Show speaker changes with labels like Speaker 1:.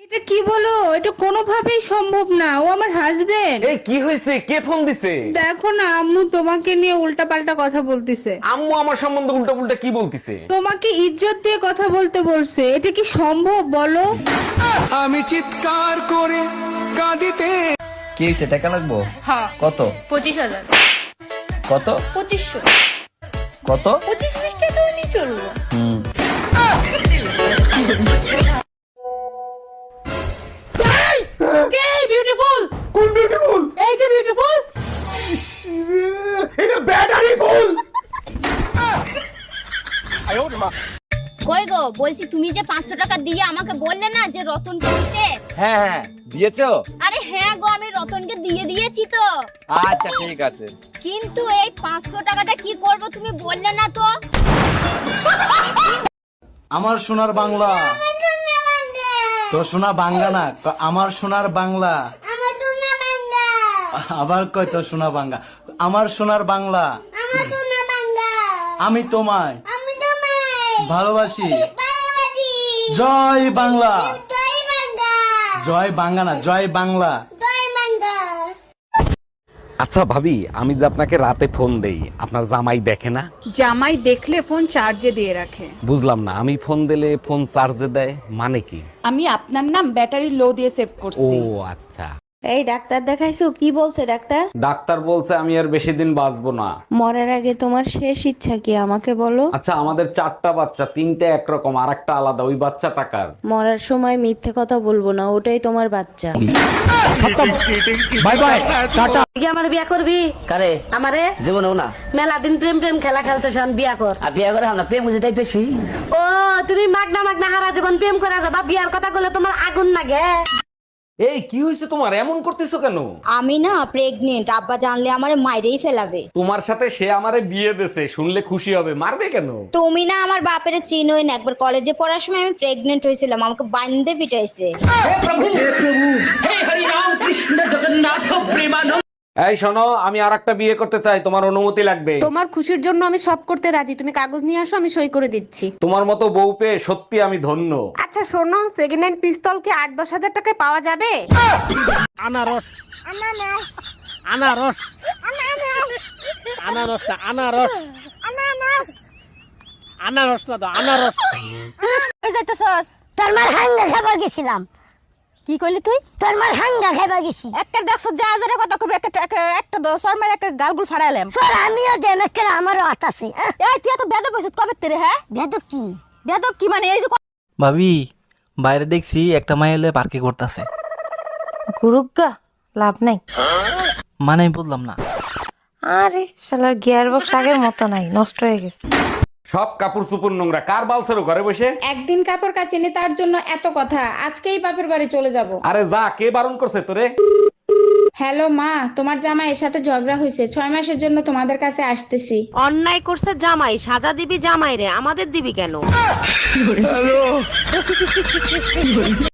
Speaker 1: এটা কি বলো? এটা কোনোভাবেই সম্ভব না, ও আমার হাজবেন্ড।
Speaker 2: এই কি হয়েছে? কে ফোন দিছে?
Speaker 1: দেখো না, আম্মু তোমাকে নিয়ে উল্টাপাল্টা কথা বলতিছে।
Speaker 2: আম্মু আমার সম্বন্ধে উল্টা পুল্টা কি বলতিছে?
Speaker 1: তোমাকে ইজ্জত দিয়ে কথা বলতে বলছে। এটা কি সম্ভব বলো?
Speaker 3: আমি চিৎকার করে কাঁদিতে।
Speaker 4: কি হয়েছে? টাকা লাগবো?
Speaker 5: হ্যাঁ,
Speaker 4: কত?
Speaker 5: 25,000।
Speaker 4: কত?
Speaker 5: 2500।
Speaker 4: কত?
Speaker 5: 25-20 টাকা হলেই চলবো।
Speaker 4: হুম।
Speaker 5: বিউটিফুল
Speaker 3: কোন বিউটিফুল?
Speaker 5: এই যে বিউটিফুল
Speaker 3: এটা ব্যাটারি ফুল।
Speaker 6: কই গো, বলছি তুমি যে 500 টাকা দিয়ে আমাকে বললে না যে রতনকে দিতে।
Speaker 2: হ্যাঁ হ্যাঁ, দিয়েছো?
Speaker 6: আরে হ্যাঁ গো, আমি রতনকে দিয়ে দিয়েছি তো।
Speaker 2: আচ্ছা ঠিক আছে।
Speaker 6: কিন্তু এই 500 টাকাটা কি করব তুমি বললে না তো।
Speaker 4: আমার সোনার বাংলা। তো সোনা বাংলা না, আমার সোনার বাংলা। আবার কয় তো সোনা বাংলা। আমার সোনার বাংলা। আমি তোমায় ভালোবাসি। জয় বাংলা। জয় বাংলা না, জয় বাংলা।
Speaker 2: আচ্ছা ভাবি, আমি যে আপনাকে রাতে ফোন দেই, আপনার জামাই দেখে না?
Speaker 1: জামাই দেখলে ফোন চার্জে দিয়ে রাখে।
Speaker 2: বুঝলাম না, আমি ফোন দিলে ফোন চার্জে দেয় মানে কি?
Speaker 1: আমি আপনার নাম ব্যাটারি লো দিয়ে সেভ
Speaker 2: ও
Speaker 1: করছি।
Speaker 2: আচ্ছা।
Speaker 7: এই ডাক্তার দেখাইছো? কি বলছে ডাক্তার?
Speaker 2: ডাক্তার বলছে আমি আর বেশি দিন বাঁচবো না।
Speaker 7: মরার আগে তোমার শেষ ইচ্ছা কি আমাকে বলো?
Speaker 2: আচ্ছা, আমাদের 4টা বাচ্চা, 3টে একরকম আর একটা আলাদা, ওই বাচ্চা টাকার।
Speaker 7: মরার সময় মিথ্যে কথা বলবো না, ওটাই তোমার বাচ্চা।
Speaker 4: Bye bye, tata.
Speaker 8: তুই আমার বিয়া করবি?
Speaker 9: কারে?
Speaker 8: আমারে
Speaker 9: জীবনেও না।
Speaker 8: মেলা দিন প্রেম প্রেম খেলা খেলতে শোন, বিয়া কর।
Speaker 9: আর বিয়ে করে আমরা প্রেম বুঝে বেশি।
Speaker 8: ও তুমি মাগনা মাগনা হারা জীবন প্রেম করে যাবা, বিয়ার কথা বলে তোমার আগুন লাগে।
Speaker 2: এই কি হয়েছে তোমার? এমন করতেছো কেন?
Speaker 6: আমি না প্রেগনেন্ট, আব্বা জানলে আমারে মাইরেই ফেলাবে।
Speaker 2: তোমার সাথে সে আমারে বিয়ে দেছে, শুনলে খুশি হবে, মারবে কেন?
Speaker 6: তুমি না আমার বাপের চিনোই না, একবার কলেজে পড়ার সময় আমি প্রেগনেন্ট হয়েছিলাম, আমাকে বান্ধে পিটাইছে।
Speaker 2: এই শোনো, আমি আরেকটা বিয়ে করতে চাই, তোমার অনুমতি লাগবে।
Speaker 10: তোমার খুশির জন্য আমি সব করতে রাজি, তুমি কাগজ নিয়ে আসো, আমি সই করে দিচ্ছি।
Speaker 2: তোমার মতো বউ পেয়ে সত্যি আমি ধন্য।
Speaker 10: আচ্ছা শোনো, সেকেন্ড হ্যান্ড পিস্তল কি 8-10 হাজার টাকায় পাওয়া যাবে?
Speaker 3: আনারস আনারস আনারস না, আনারস আনারস না তো, আনারস।
Speaker 5: ওই যাইতেছস?
Speaker 6: তোর মার হাঙ্গা খাবার গেছিলাম।
Speaker 5: কি কইলি তুই?
Speaker 6: তোর মার হাঙ্গা খাবার গেছি।
Speaker 5: একটা দেখছ যা হাজারে কথা কবি, একটা দশর মার একটা গালগুল ফাড়াইলাম।
Speaker 6: স্যার আমিও দেন একটা আমারও আতাছে।
Speaker 5: এই তুই তো বেদব কইছিস কবে তেরে? হ্যাঁ
Speaker 6: বেদব কি?
Speaker 5: বেদব কি মানে? এই যে
Speaker 4: ভাবি, বাইরে দেখছি একটা মাই হলে পার্কে করতেছে।
Speaker 10: গুরুগা লাভ নাই।
Speaker 4: মানে আমি বললাম না।
Speaker 10: আরে শালার গিয়ার বক্স আগের মতো নাই, নষ্ট হয়ে গেছে।
Speaker 2: সব কাপড় চুপড় নোংরা, কার বালছেরো ঘরে বসে?
Speaker 1: একদিন কাপড় কাচিনি তার জন্য এত কথা, আজকেই বাপের বাড়ি চলে যাব।
Speaker 2: আরে যা, কে বারণ করছে তোরে?
Speaker 1: হ্যালো মা, তোমার জামাইয়ের সাথে ঝগড়া হয়েছে, 6 মাসের জন্য তোমাদের কাছে আসতেছি।
Speaker 8: অন্যায় করছে জামাই, সাজা দিবি জামাই রে, আমাদের দিবি কেন?